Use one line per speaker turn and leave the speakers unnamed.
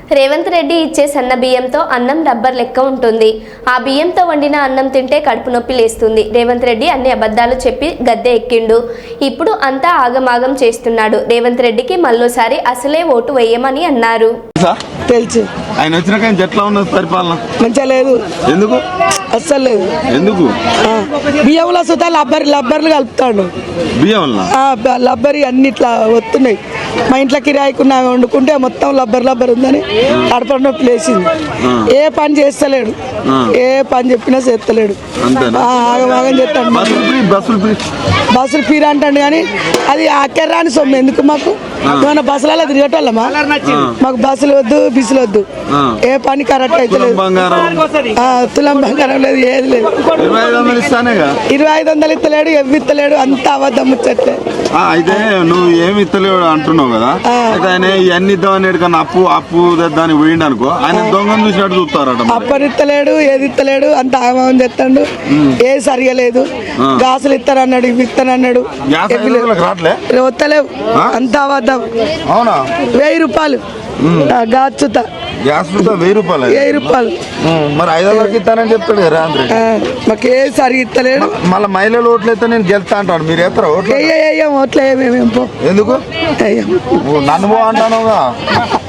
రేవంత్ రెడ్డి ఇచ్చే సన్న బియ్యంతో అన్నం రబ్బర్ లెక్క ఉంటుంది. ఆ బియ్యంతో వండిన అన్నం తింటే కడుపు నొప్పి లేస్తుంది. రేవంత్ రెడ్డి అన్ని అబద్ధాలు చెప్పి గద్దె ఎక్కిండు. ఇప్పుడు అంతా ఆగమాగం చేస్తున్నాడు. రేవంత్ రెడ్డికి మళ్ళోసారి అసలే ఓటు వేయమని అన్నారు.
తెలుసు
ఆయన వచ్చినాక ఎట్లా ఉన్నది పరిపాలన?
మంచిగా లేదు.
ఎందుకు?
అస్సలు లేదు.
ఎందుకు?
బియ్యంలో సుతా లబ్బర్లు కలుపుతాడు.
బియ్యం
లబ్బరి అన్ని ఇట్లా వస్తున్నాయి. మా ఇంట్లో కిరాయికున్నా వండుకుంటే మొత్తం లబ్బర్ ఉందని కడప నొప్పి లేచింది. ఏ పని చేస్తలేడు, ఏ పని చెప్పినా చేస్తలేడు. ఆగమాగం చేస్తాడు. బస్సులు ఫ్రీ అంటాడు కానీ అది అక్కర్రాని సొమ్ము. ఎందుకు మాకు ఏమన్నా బస్సులలో తిరగటోళ్ళమా? మాకు బస్సులు వద్దు, బిసులు వద్దు. ఏ పని కరెక్ట్ అయితే లేదు. తులం బంగారం లేదు, ఏది లేదు. 2500 ఇస్తలేడు, ఇస్తలేడు. అంత అబద్ధం ముచ్చట్లే.
అయితే నువ్వు ఏమి ఇస్తలేడు అంటున్నావు కదా, అయితే ఆయన ఇవన్నీ ఇద్దామని ఎక్కడన్నా అప్పు దాన్ని పోయిండు అనుకో, ఆయన దొంగను చూసినట్టు చూస్తారట.
అప్పని ఇస్తలేడు, ఏది ఇస్తలేడు. అంత ఆగమం చేస్తాడు. ఏది సరిగా లేదు. గాసులు ఇస్తానన్నాడు, ఇవి ఇస్తానన్నాడు. వస్తలేవు. అంత అబద్ధం.
అవునా?
1000 రూపాయలు గాచుత.
గ్యాస్ 1000 రూపాయలు.
1000 రూపాయలు.
మరి 500 ఇస్తానని చెప్తాడు కదా రేవంత్ రెడ్డి.
మాకు ఏ సరిగా ఇస్తలేడు.
మళ్ళీ మహిళలు ఓట్లు అయితే నేను గెలుస్తా అంటాడు. మీరు ఎత్తరా ఓట్లు?
ఓట్లు
ఎందుకు? నన్ను పో అంటానుగా.